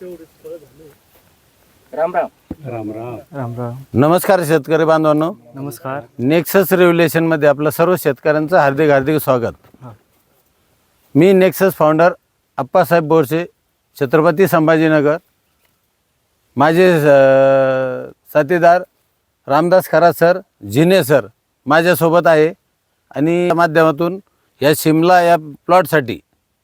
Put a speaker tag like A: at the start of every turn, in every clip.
A: राम राम.
B: राम राम.
C: राम राम.
D: नमस्कार शेतकरी बांधवांनो.
C: नमस्कार.
D: नेक्सस रेव्होल्युशन मध्ये आपलं सर्व शेतकऱ्यांचं हार्दिक हार्दिक स्वागत. मी नेक्सस फाउंडर अप्पासाहेब बोरसे, छत्रपती संभाजीनगर. माझे साथीदार रामदास खरात सर, जिने सर माझ्यासोबत आहे आणि या माध्यमातून या शिमला या प्लॉटसाठी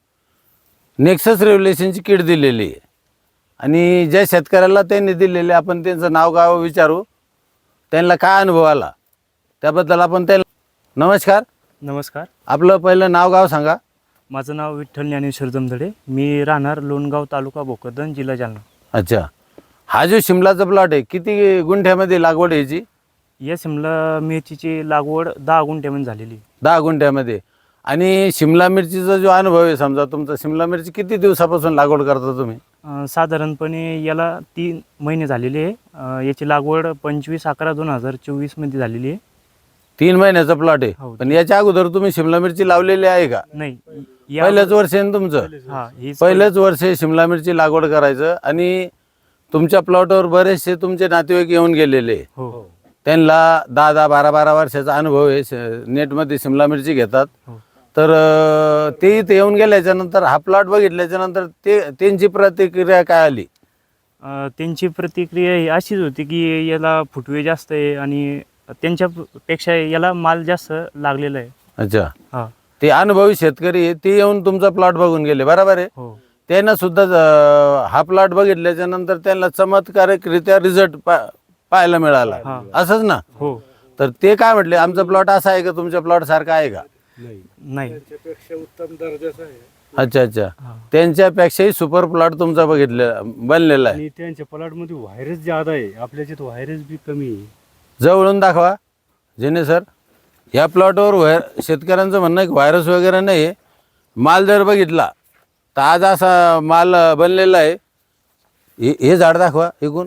D: नेक्सस रेव्होल्युशनची किट दिलेली आहे आणि ज्या शेतकऱ्याला त्यांनी दिलेले आपण त्यांचं नाव गाव विचारू, त्यांना काय अनुभव आला त्याबद्दल आपण त्यांना. नमस्कार.
C: नमस्कार.
D: आपलं पहिलं नाव गाव सांगा.
C: माझं नाव विठ्ठल ज्ञानेश्वर जमधडे. मी राहणार लोणगाव, तालुका भोकरदन, जिल्हा जालना.
D: अच्छा, हा जो शिमलाचा प्लॉट आहे किती गुंठ्यामध्ये लागवड आहे याची?
C: या शिमला मिरचीची लागवड 10 गुंठ्यामध्ये झालेली.
D: 10 गुंठ्यामध्ये. आणि शिमला मिरचीचा जो अनुभव आहे, समजा तुमचा शिमला मिरची किती दिवसापासून लागवड करता तुम्ही?
C: साधारणपणे याला 3 महिने झालेले आहे. याची लागवड 25/11/2024 मध्ये झालेली आहे.
D: 3 महिन्याचा प्लॉट आहे.
C: हो.
D: पण याच्या अगोदर तुम्ही शिमला मिरची लावलेली आहे का?
C: नाही,
D: पहिलंच वर्ष आहे ना तुमचं? पहिलंच वर्ष शिमला मिरची लागवड करायचं. आणि तुमच्या प्लॉटवर बरेचसे तुमचे नातेवाईक येऊन गेलेले.
C: हो.
D: त्यांना 10-10, 12-12 वर्षाचा अनुभव आहे. नेटमध्ये शिमला मिरची घेतात. तर ते इथे येऊन गेल्याच्या नंतर हा प्लॉट बघितल्याच्या नंतर त्यांची प्रतिक्रिया काय आली?
C: त्यांची प्रतिक्रिया ही अशीच होती की याला फुटवे जास्त आहे आणि त्यांच्यापेक्षा याला माल जास्त लागलेला आहे.
D: अच्छा.
C: हां.
D: ते अनुभवी शेतकरी आहे, ते येऊन तुमचा प्लॉट बघून गेले, बरोबर आहे?
C: हो.
D: त्यांना सुद्धा हा प्लॉट बघितल्याच्या नंतर त्यांना चमत्कारिकरित्या रिझल्ट पाहायला मिळाला, असंच ना?
C: हो.
D: तर ते काय म्हटले, आमचा प्लॉट असा आहे का तुमच्या प्लॉट सारखा आहे का?
C: नाही.
B: त्याच्यापेक्षा उत्तम दर्जाचा आहे.
D: अच्छा अच्छा. त्यांच्यापेक्षाही सुपर प्लॉट तुमचा बनलेला आहे.
B: आणि त्यांच्या प्लॉटमध्ये व्हायरस ज्यादा आहे, आपल्याच्यात व्हायरस बी कमी आहे.
D: जवळून दाखवा जेने सर. या प्लॉटवर शेतकऱ्यांचं म्हणणं आहे की व्हायरस वगैरे नाही आहे. माल जर बघितला तर आज असा माल बनलेला आहे. हे झाड दाखवा एकूण.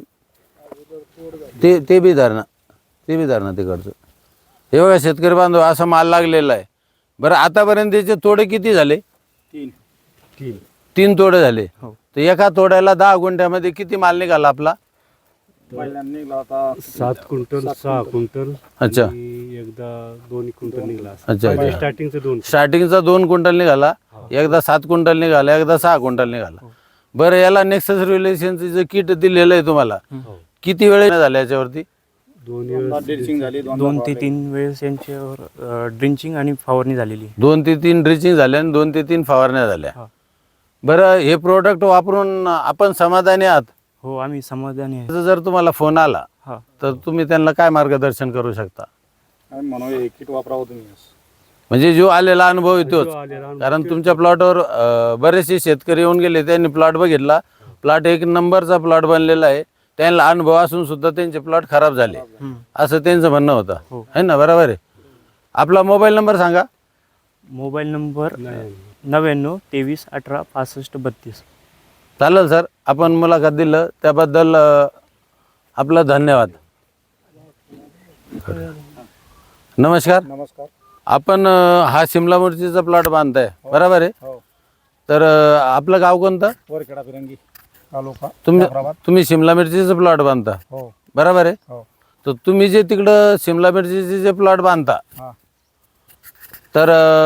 D: ते बी धरणा तिकडचं. हे बघा शेतकरी बांधव, असा माल लागलेला आहे. बरं, आतापर्यंत त्याचे तोडे किती झाले? 3 तोडे झाले. तर एका तोड्याला 10 गुंठ्यामध्ये किती माल निघाला आपला?
B: 7 क्विंटल 6 क्विंटल.
D: अच्छा.
B: एकदा 2 क्विंटल निघाला.
D: अच्छा.
B: स्टार्टिंगचा
D: 2 क्विंटल निघाला. एकदा 7 क्विंटल निघाला, एकदा 6 क्विंटल निघाला. बरं, याला नेक्सस रेव्होल्युशनचं जे किट दिलेलं आहे तुम्हाला, किती वेळ झाला याच्यावरती?
C: 2 ते 3 वेळेस यांच्यावर ड्रिंचिंग आणि फवारणी झालेली.
D: 2 ते 3 ड्रिचिंग झाल्या आणि 2 ते 3 फवारण्या झाल्या. बरं, हे प्रोडक्ट वापरून आपण समाधानी आहात?
C: हो, आम्ही समाधानी आहे.
D: जर तुम्हाला फोन आला तर तुम्ही त्यांना काय मार्गदर्शन करू शकता?
A: किट वापरावं तुम्ही.
D: म्हणजे जो आलेला अनुभव येतोच. कारण तुमच्या प्लॉटवर बरेचसे शेतकरी येऊन गेले, त्यांनी प्लॉट बघितला. प्लॉट 1 नंबरचा प्लॉट बनलेला आहे. त्यांना अनुभव असून सुद्धा त्यांचे प्लॉट खराब झाले, असं त्यांचं म्हणणं होतं, है ना? बरोबर आहे. आपला मोबाईल नंबर सांगा.
C: Mobile number 99 23 18 65 32.
D: चालेल सर. आपण मुलाखत दिलं त्याबद्दल आपलं धन्यवाद. नमस्कार.
A: नमस्कार.
D: आपण हा शिमला मिरचीचा प्लॉट बांधताय, बरोबर आहे? तर आपलं गाव कोणतं?
A: वरखेडा फिरंगी तालुका.
D: तुम्ही शिमला मिरचीचं प्लॉट बांधता, बरोबर आहे? तर तुम्ही जे तिकडं शिमला मिरचीचे जे प्लॉट बांधता, तर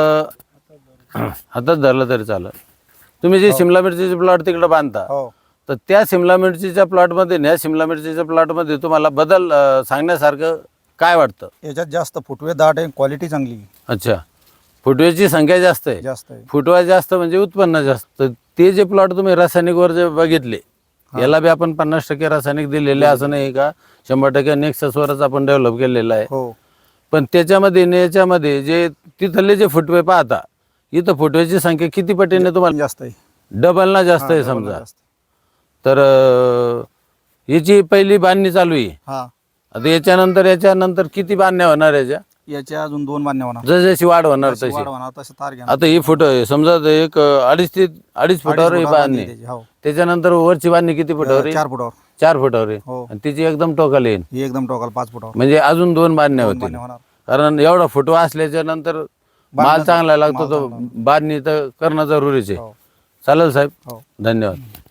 D: हातात धरलं तरी चालेल. तुम्ही जे शिमला मिरचीचे प्लॉट तिकडं बांधता, तर त्या शिमला मिरचीच्या प्लॉटमध्ये ह्या शिमला मिरचीच्या प्लॉटमध्ये तुम्हाला बदल सांगण्यासारखं काय वाटतं?
A: याच्यात जास्त फुटवे दाट आहे, क्वालिटी चांगली.
D: अच्छा. फुटव्याची संख्या जास्त आहे. फुटवा जास्त म्हणजे उत्पन्न जास्त. तर ते जे प्लॉट तुम्ही रासायनिकवर जे बघितले, याला बी आपण 50% रासायनिक दिलेले, असं नाही का 100% नेक्ससवरच आपण डेव्हलप केलेलं आहे. पण त्याच्यामध्ये याच्यामध्ये जे तिथले जे फुटवे पाहता, इथं फुटव्याची संख्या किती पटीने तुम्हाला
A: जास्त आहे?
D: डबल ना जास्त आहे समजा. तर याची पहिली बांधणी चालू आहे. आता याच्यानंतर किती बांधण्या होणार
A: याच्या अजून 2 बांधण्या होणार.
D: जशी वाढ होणार तशी. आता ही फुट समजा एक 2.5 फुटावर ही बांधणी. त्याच्यानंतर वरची बांधणी किती फुटावर?
A: 4 फुटावर.
D: 4 फुटावर आहे. आणि तिची एकदम टोकाला येईल.
A: ही एकदम टोकाल 5 फुटावर.
D: म्हणजे अजून 2 बांधण्या होतील. कारण एवढा फुटवा असल्याच्या नंतर माल चांगला लागतो, तो बांधणी तर करणं जरुरीच आहे. चालेल साहेब, धन्यवाद.